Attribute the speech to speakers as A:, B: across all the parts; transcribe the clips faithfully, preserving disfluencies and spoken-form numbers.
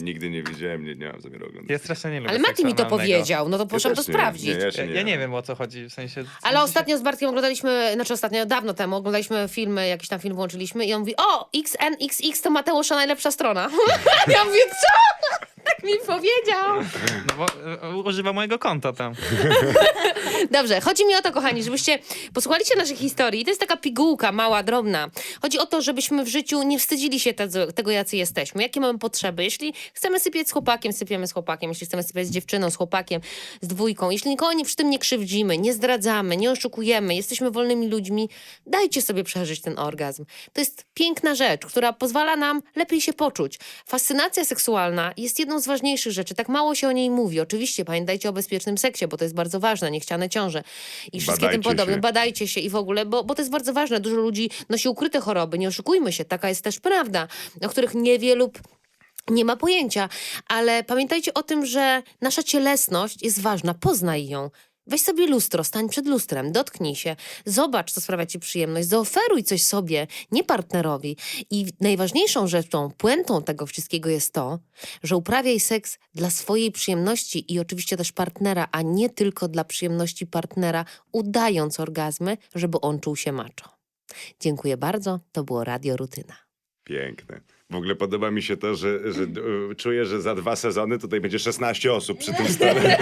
A: Nigdy nie widziałem, nie, nie mam zamiaru oglądać.
B: Ja strasznie nie lubię
C: Ale Mati mi to
B: seksu analnego.
C: powiedział, no to poszłam to
A: też nie,
C: sprawdzić.
A: nie, ja się
B: Ja,
A: nie
B: ja nie
A: wiem.
B: wiem, o co chodzi, w sensie... w
C: Ale
B: sensie
C: ostatnio z Bartkiem oglądaliśmy, znaczy ostatnio, dawno temu, oglądaliśmy filmy, jakiś tam film włączyliśmy i on mówi, o, X N X X to Mateusza najlepsza strona. Ja mówię, co? Tak mi powiedział.
B: No bo e, używa mojego konta tam.
C: Dobrze, chodzi mi o to, kochani, żebyście posłuchali się naszych historii. To jest taka pigułka, mała, drobna. Chodzi o to, żebyśmy w życiu nie wstydzili się tego, tego, jacy jesteśmy. Jakie mamy potrzeby. Jeśli chcemy sypiać z chłopakiem, sypiemy z chłopakiem. Jeśli chcemy sypiać z dziewczyną, z chłopakiem, z dwójką. Jeśli nikogo nie, przy tym nie krzywdzimy, nie zdradzamy, nie oszukujemy, jesteśmy wolnymi ludźmi, dajcie sobie przeżyć ten orgazm. To jest piękna rzecz, która pozwala nam lepiej się poczuć. Fascynacja seksualna jest jedną z ważniejszych rzeczy. Tak mało się o niej mówi. Oczywiście pamiętajcie o bezpiecznym seksie, bo to jest bardzo ważne. Niechciane ciąże i wszystkie tym
A: Badajcie
C: podobne.
A: się.
C: Badajcie się i w ogóle, bo, bo to jest bardzo ważne. Dużo ludzi nosi ukryte choroby. Nie oszukujmy się. Taka jest też prawda, o których niewielu nie ma pojęcia. Ale pamiętajcie o tym, że nasza cielesność jest ważna. Poznaj ją. Weź sobie lustro, stań przed lustrem, dotknij się, zobacz, co sprawia ci przyjemność, zaoferuj coś sobie, nie partnerowi. I najważniejszą rzeczą, puentą tego wszystkiego jest to, że uprawiaj seks dla swojej przyjemności i oczywiście też partnera, a nie tylko dla przyjemności partnera, udając orgazmy, żeby on czuł się macho. Dziękuję bardzo, to było Radio Rutyna.
A: Piękne. W ogóle podoba mi się to, że, że e, czuję, że za dwa sezony tutaj będzie szesnaście osób przy tym stole.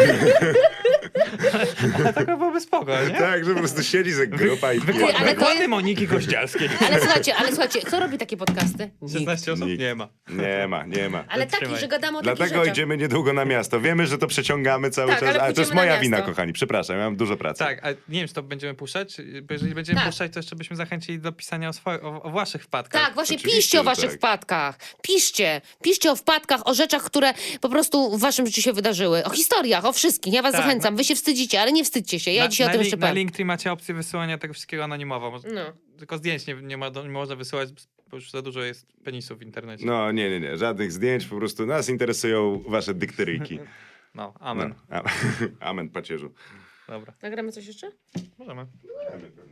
B: Ale taka byłoby spoko, nie?
A: Tak, że po prostu siedzi za grupa i
B: Wykład,
A: pije.
C: ale to
B: wykłady
C: jest-
B: Moniki Kościelskiej.
C: Ale słuchajcie, ale słuchajcie, kto robi takie podcasty? Nikt.
B: szesnaście osób?
A: Nikt.
B: Nie ma.
A: Nie ma, nie ma.
C: Ale taki,
B: Trzymaj.
C: że gadamy o takich
A: Dlatego
C: rzeczach.
A: idziemy niedługo na miasto. Wiemy, że to przeciągamy cały
C: Tak,
A: czas,
C: ale
A: ale to jest
C: pójdziemy na
A: moja wina,
C: miasto.
A: kochani. Przepraszam, ja mam dużo pracy.
B: Tak, a nie wiem, czy to będziemy puszczać, bo jeżeli będziemy
C: Tak.
B: puszczać, to jeszcze byśmy zachęcili do pisania o, swo- o, o waszych wpadkach.
C: Tak, właśnie
A: Oczywiście,
C: piszcie o
A: że
C: waszych
A: tak.
C: wpadkach. Piszcie. Piszcie o wpadkach, o rzeczach, które po prostu w waszym życiu się wydarzyły. O historiach, o wszystkich. Ja was
B: Tak,
C: zachęcam. Wy się wstydzicie, ale nie wstydźcie się. Ja
B: na,
C: dzisiaj
B: na,
C: o tym
B: link-
C: jeszcze
B: Na
C: powiem.
B: Linktree macie opcję wysyłania tego wszystkiego anonimowo. Może-
C: No.
B: Tylko zdjęć nie, nie, ma, nie można wysyłać, bo już za dużo jest penisów w internecie.
A: No nie, nie, nie. Żadnych zdjęć, po prostu nas interesują wasze dykteryjki.
B: No,
A: No.
B: amen.
A: A- Amen, pacierzu.
B: Dobra,
C: Nagramy coś jeszcze?
B: możemy.
A: Amen.